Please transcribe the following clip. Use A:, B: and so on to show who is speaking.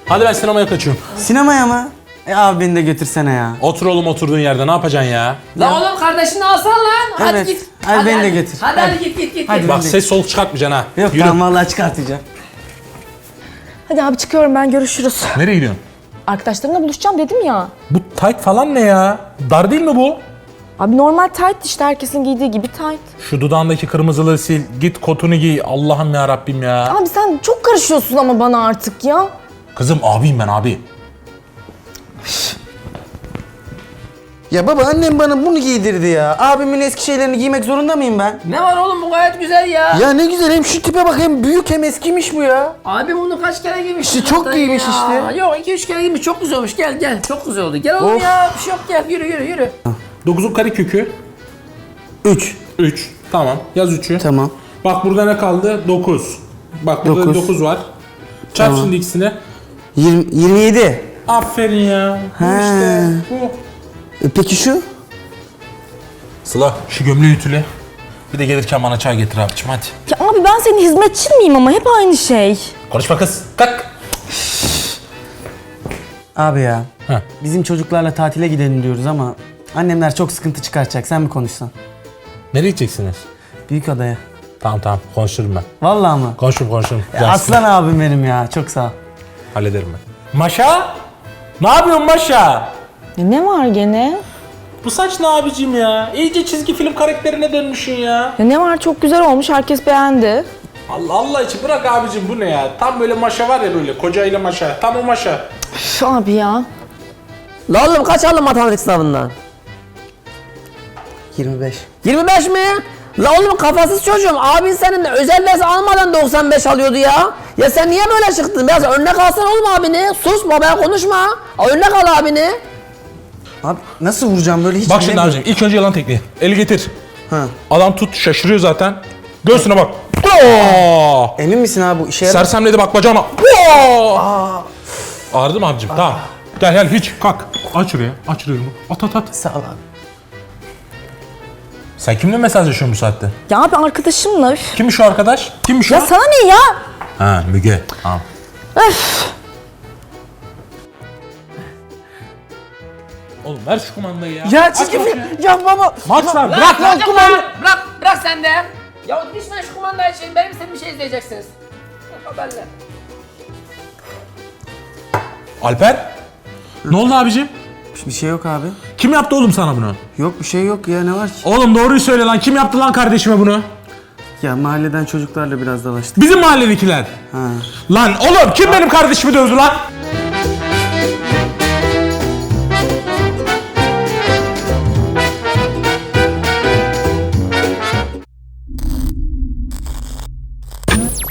A: Hadi ben sinemaya kaçıyorum.
B: Sinemaya mı? Abi beni de götürsene ya.
A: Otur oğlum oturduğun yerde, ne yapacaksın ya?
C: Lan oğlum kardeşini alsana lan. Hadi
B: Evet.
C: git.
B: Hadi beni de götür.
C: Hadi git.
B: Hadi.
A: Bak ses soluk çıkartmayacaksın ha.
B: Yok
A: Yürü.
B: tamam vallahi çıkartacağım.
D: Hadi abi çıkıyorum ben, görüşürüz.
A: Nereye gidiyorsun?
D: Arkadaşlarımla buluşacağım dedim ya.
A: Bu tight falan ne ya? Dar değil mi bu?
D: Abi normal tight işte, herkesin giydiği gibi tight.
A: Şu dudağındaki kırmızılığı sil, git kotunu giy. Allah'ım ya Rabbim ya.
D: Abi sen çok karışıyorsun ama bana artık ya.
A: Kızım abiyim ben abi.
B: Ya baba annem bana bunu giydirdi ya. Abimin eski şeylerini giymek zorunda mıyım ben?
C: Ne var oğlum, bu gayet güzel ya.
B: Ya ne güzel, hem şu tipe bak, hem büyük hem eskimiş bu ya.
C: Abi bunu kaç kere giymiş?
B: İşte çok
C: zaten
B: giymiş
C: ya.
B: işte.
C: Yok 2-3 kere giymiş, çok güzel olmuş. Gel çok güzel oldu. Gel oğlum
B: Of.
C: ya, bir şey yok, gel yürü.
A: 9'un karekökü
B: 3.
A: 3. Tamam. Yaz 3'ü.
B: Tamam.
A: Bak burada ne kaldı? 9. Bak burada 9 var. Çarp
B: Tamam.
A: şimdi ikisini.
B: 27.
A: Aferin ya. Bu
B: He.
A: işte. Bu.
B: Peki şu?
A: Sıla şu gömleği ütüle. Bir de gelirken bana çay getir abicim hadi.
D: Ya abi ben senin hizmetçin miyim ama hep aynı şey.
A: Konuşma kız. Kalk.
B: Abi ya.
A: Heh.
B: Bizim çocuklarla tatile gidelim diyoruz ama annemler çok sıkıntı çıkartacak. Sen mi konuşsan?
A: Nereye gideceksiniz?
B: Büyükada'ya.
A: Tamam konuşurum ben.
B: Vallahi mı?
A: Konuşurum.
B: Ya aslan abim benim ya. Çok sağ ol.
A: Hallederim ben. Maşa? Ne yapıyorsun Maşa?
D: Ya ne var gene?
A: Bu saç ne abicim ya? İyice çizgi film karakterine dönmüşsün ya.
D: Ya ne var, çok güzel olmuş, herkes beğendi.
A: Allah için bırak abicim, bu ne ya? Tam böyle Maşa var ya, böyle kocayla Maşa. Tam o Maşa.
D: Üf abi ya.
C: La oğlum kaç aldın matematik sınavından?
B: 25.
C: 25 mi? La oğlum kafasız çocuğum. Abin senin de özel ders almadan 95 alıyordu ya. Ya sen niye böyle çıktın? Biraz örnek alsana oğlum abini. Sus babaya konuşma. Örnek al abini.
B: Abi nasıl vuracağım böyle, hiç
A: Bak şimdi
B: bilemiyorum.
A: abicim, ilk önce yalan tekniği. Eli getir.
B: Ha.
A: Adam tut, şaşırıyor zaten. Göğsüne bak. Oo!
B: Emin misin abi bu işe yarar?
A: Sersemledi bak bacağına. Oo! Ağrıdı mı abicim? Tamam. Gel hiç kalk. Aç şuraya. Aç şuraya. At.
B: Sağ ol abi.
A: Sen kimle mesajlaşıyorsun bu saatte?
D: Ya abi arkadaşımla üf.
A: Kimmiş o arkadaş? Kimmiş
D: Ya
A: o?
D: sana ne ya?
A: Ha Müge. Tamam.
D: Öf.
A: Oğlum ver şu kumandayı ya.
B: Ya çizgi film. Ya baba.
A: Maç var. Bırak lan kumandayı.
C: Bırak sen de. Ya lütfen şu kumandayı açın. Benim istediğim bir şey izleyeceksiniz. Haberler.
A: Alper. Ne oldu abicim?
B: Bir şey yok abi.
A: Kim yaptı oğlum sana bunu?
B: Yok bir şey yok ya, ne var ki?
A: Oğlum doğruyu söyle lan. Kim yaptı lan kardeşime bunu?
B: Ya mahalleden çocuklarla biraz dalaştık.
A: Bizim mahalledekiler.
B: Ha.
A: Lan oğlum kim benim kardeşimi dövdü lan?